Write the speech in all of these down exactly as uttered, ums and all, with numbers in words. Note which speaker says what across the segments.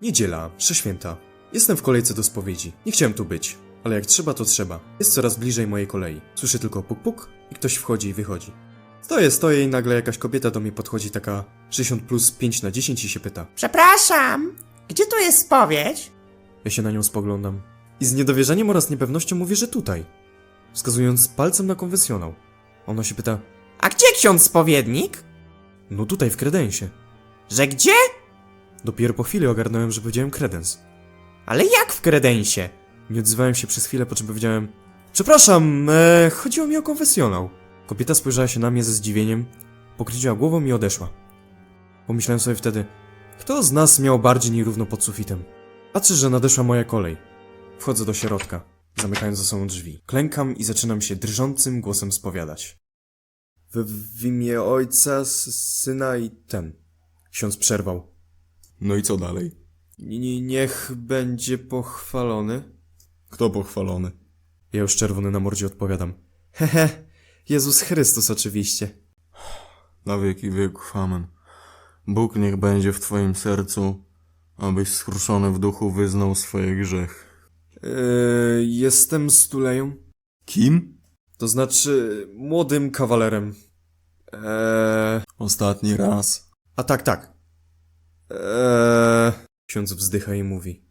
Speaker 1: Niedziela, msze święta. Jestem w kolejce do spowiedzi. Nie chciałem tu być, ale jak trzeba, to trzeba. Jest coraz bliżej mojej kolei. Słyszę tylko puk puk i ktoś wchodzi i wychodzi. Stoję, stoję i nagle jakaś kobieta do mnie podchodzi, taka sześćdziesiąt plus pięć na dziesięć i się pyta.
Speaker 2: Przepraszam, gdzie tu jest spowiedź?
Speaker 1: Ja się na nią spoglądam i z niedowierzaniem oraz niepewnością mówię, że tutaj. Wskazując palcem na konfesjonał. Ona się pyta,
Speaker 2: A gdzie ksiądz spowiednik?
Speaker 1: no tutaj w kredensie.
Speaker 2: Że gdzie?
Speaker 1: Dopiero po chwili ogarnąłem, że powiedziałem kredens.
Speaker 2: Ale jak w kredensie?
Speaker 1: Nie odzywałem się przez chwilę, po czym powiedziałem: Przepraszam, e, chodziło mi o konfesjonał. Kobieta spojrzała się na mnie ze zdziwieniem, pokręciła głową i odeszła. Pomyślałem sobie wtedy, kto z nas miał bardziej nierówno pod sufitem? Patrzę, że nadeszła moja kolej. Wchodzę do środka, zamykając za sobą drzwi. Klękam i zaczynam się drżącym głosem spowiadać. W, w imię Ojca, s- Syna i ten. Ksiądz przerwał.
Speaker 3: No i co dalej?
Speaker 1: N- niech będzie pochwalony.
Speaker 3: Kto pochwalony?
Speaker 1: Ja już czerwony na mordzie odpowiadam. Hehe, Jezus Chrystus oczywiście.
Speaker 3: Na wieki wieków, amen. Bóg niech będzie w twoim sercu, abyś skruszony w duchu wyznał swoje grzechy.
Speaker 1: Eee, jestem stuleją.
Speaker 3: Kim?
Speaker 1: To znaczy młodym kawalerem. Eee,
Speaker 3: Ostatni raz.
Speaker 1: a tak, tak. Eee, ksiądz wzdycha i mówi.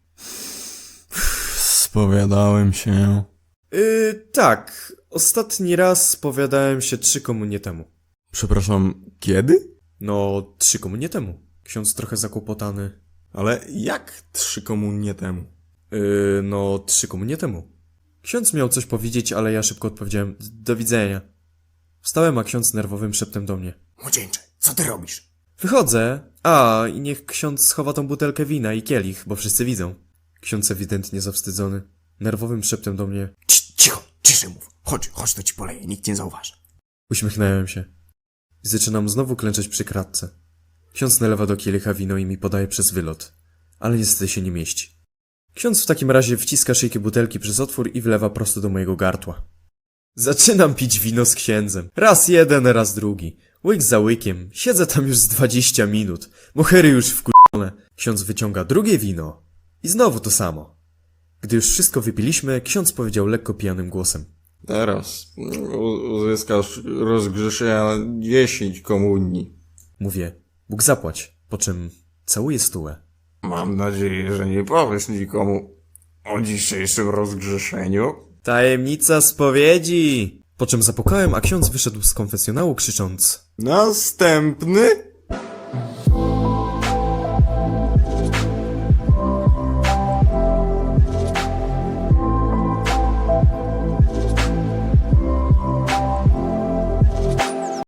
Speaker 3: Spowiadałem się.
Speaker 1: Yy, tak, ostatni raz spowiadałem się trzy komunie temu.
Speaker 3: Przepraszam, kiedy?
Speaker 1: No, trzy komunie temu. Ksiądz trochę zakłopotany.
Speaker 3: Ale jak trzy komunie temu?
Speaker 1: Yy, no, trzy komunie temu. Ksiądz miał coś powiedzieć, ale ja szybko odpowiedziałem: do widzenia. Wstałem, a ksiądz nerwowym szeptem do mnie.
Speaker 2: Młodzieńcze, co ty robisz?
Speaker 1: Wychodzę. A, i niech ksiądz schowa tą butelkę wina i kielich, bo wszyscy widzą. Ksiądz ewidentnie zawstydzony. Nerwowym szeptem do mnie.
Speaker 2: Cii, cicho, ciszej mów. Chodź, chodź, to ci poleję, nikt nie zauważy.
Speaker 1: Uśmiechnąłem się. I zaczynam znowu klęczeć przy kratce. Ksiądz nalewa do kielicha wino i mi podaje przez wylot. Ale niestety się nie mieści. Ksiądz w takim razie wciska szyjkę butelki przez otwór i wlewa prosto do mojego gardła. Zaczynam pić wino z księdzem. Raz jeden, raz drugi. Łyk za łykiem. Siedzę tam już z dwadzieścia minut. Mohery już wkurzone. Ksiądz wyciąga drugie wino. I znowu to samo. Gdy już wszystko wypiliśmy, ksiądz powiedział lekko pijanym głosem.
Speaker 3: Teraz u- uzyskasz rozgrzeszenia dziesięć komunii.
Speaker 1: Mówię: Bóg zapłać. Po czym całuję stułę.
Speaker 3: Mam nadzieję, że nie powiesz nikomu o dzisiejszym rozgrzeszeniu.
Speaker 1: Tajemnica spowiedzi! Po czym zapukałem, a ksiądz wyszedł z konfesjonału krzycząc.
Speaker 3: Następny?